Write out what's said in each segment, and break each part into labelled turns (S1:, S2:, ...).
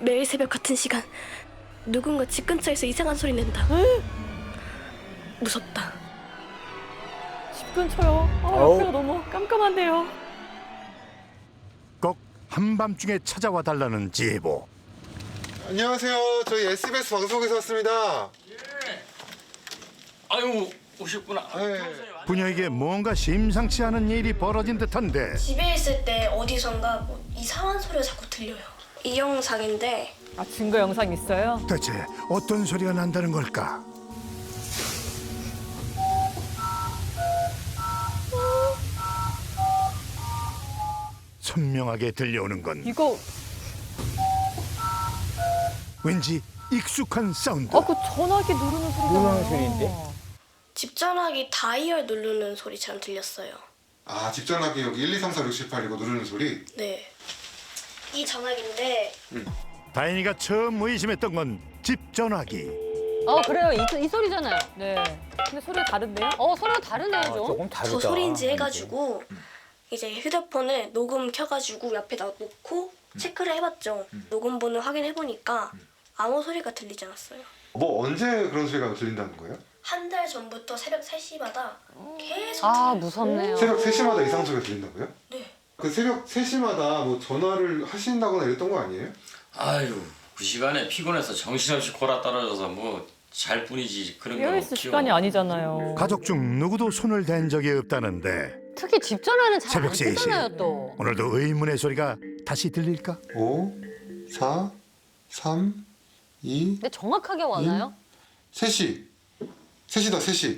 S1: 매일 새벽 같은 시간 누군가 집 근처에서 이상한 소리 낸다. 무섭다.
S2: 집 근처요. 옆에가 너무 깜깜한데요.
S3: 꼭 한밤중에 찾아와 달라는 제보.
S4: 안녕하세요. 저희 SBS 방송에서 왔습니다.
S5: 아유 오셨구나.
S4: 네.
S3: 부녀에게 뭔가 심상치 않은 일이 벌어진 듯한데
S1: 집에 있을 때 어디선가 뭐 이상한 소리가 자꾸 들려요. 이 영상인데
S2: 아, 증거 영상 있어요?
S3: 대체 어떤 소리가 난다는 걸까? 선명하게 들려오는 건
S2: 이거
S3: 왠지 익숙한 사운드.
S2: 그 전화기 누르는 소리가 누르는 소리인데?
S1: 집 전화기 다이얼 누르는 소리처럼 들렸어요.
S4: 아, 집 전화기 여기 1, 2, 3, 4, 6, 7, 8 이거 누르는 소리?
S1: 네. 이 전화기인데
S3: 다인이가 처음 의심했던 건 집 전화기.
S6: 그래요. 이 소리잖아요.
S2: 네. 근데 소리가 다른데요?
S6: 소리가 다르네요, 좀.
S7: 조금 다르다.
S1: 저 소리인지 해가지고 이제 휴대폰을 녹음 켜가지고 옆에 놓고 체크를 해봤죠. 녹음 번호 확인해보니까 아무 소리가 들리지 않았어요.
S4: 뭐 언제 그런 소리가 들린다는 거예요?
S1: 한 달 전부터 새벽 3시마다 계속
S6: 무섭네요.
S4: 새벽 3시마다 이상 소리가 들린다고요?
S1: 네.
S4: 그 새벽 3시마다 뭐 전화를 하신다거나 이랬던 거 아니에요?
S5: 아유 그 시간에 피곤해서 정신없이 골아 떨어져서 뭐 잘 뿐이지 그런 건
S2: 깨어있을
S5: 없죠.
S2: 시간이 아니잖아요.
S3: 가족 중 누구도 손을 댄 적이 없다는데
S6: 특히 집 전화는 잘
S3: 새벽
S6: 안
S3: 3시.
S6: 쓰잖아요, 또.
S3: 오늘도 의문의 소리가 다시 들릴까?
S4: 5, 4, 3, 2,
S6: 근데 정확하게 와나요?
S4: 3시. 3시다, 3시.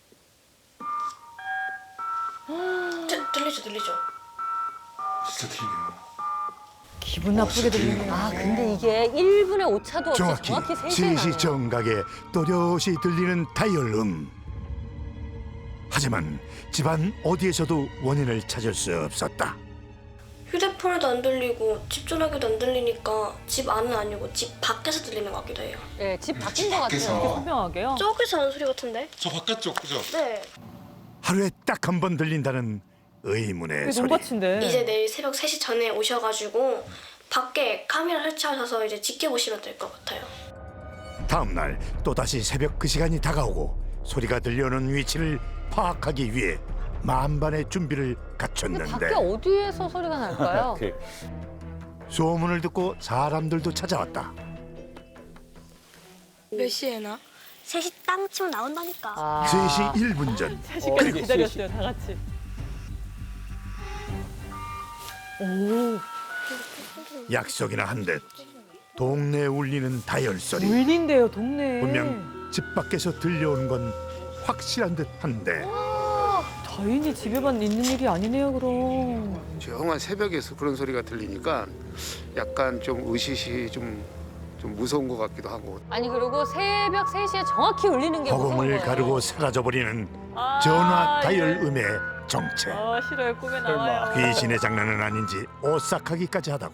S1: 들리죠.
S4: 진짜 들리네요.
S2: 기분 나쁘게 들리네요.
S6: 근데 이게 1분의 오차도 없이
S3: 정확히
S6: 정확히 3시에
S3: 3시
S6: 나네요.
S3: 정각에 또렷이 들리는 다이얼음. 하지만 집안 어디에서도 원인을 찾을 수 없었다.
S1: 휴대폰에도 안 들리고 집 전화기도 안 들리니까 집 안은 아니고 집 밖에서 들리는 것 같기도 해요.
S6: 네, 집 바뀐 것
S4: 밖에서.
S6: 같아요.
S2: 선명하게요?
S1: 저기서 하는 소리 같은데?
S4: 저 바깥쪽, 그죠?
S1: 네.
S3: 하루에 딱 한 번 들린다는 의문의
S2: 그게
S3: 소리.
S2: 돈밭인데.
S1: 이제 내일 새벽 3시 전에 오셔가지고 밖에 카메라 설치하셔서 이제 지켜보시면 될 것 같아요.
S3: 다음 날 또다시 새벽 그 시간이 다가오고 소리가 들려오는 위치를 파악하기 위해 만반의 준비를
S6: 근데
S3: 갖췄는데
S6: 밖에 어디에서 소리가 날까요?
S3: 소문을 듣고 사람들도 찾아왔다.
S1: 몇 시에나? 3시 땅 치면 나온다니까.
S3: 3시 1분 전
S2: 3시까지 기다렸어요, 다 같이.
S3: 약속이나 한 듯 동네에 울리는 다이얼 소리.
S2: 울린대요, 동네에.
S3: 분명 집 밖에서 들려온 건 확실한 듯한데
S2: 다인이 집에만 있는 일이 아니네요, 그럼.
S7: 조용한 새벽에서 그런 소리가 들리니까 약간 좀 의식이 좀 무서운 것 같기도 하고.
S6: 아니, 그리고 새벽 3시에 정확히 울리는 게 무서운
S3: 허공을
S6: 거예요.
S3: 가르고 사라져버리는 전화 다이얼
S2: 예.
S3: 음의 정체.
S2: 싫어요, 꿈에 나와요.
S3: 귀신의 장난은 아닌지 오싹하기까지 하다고.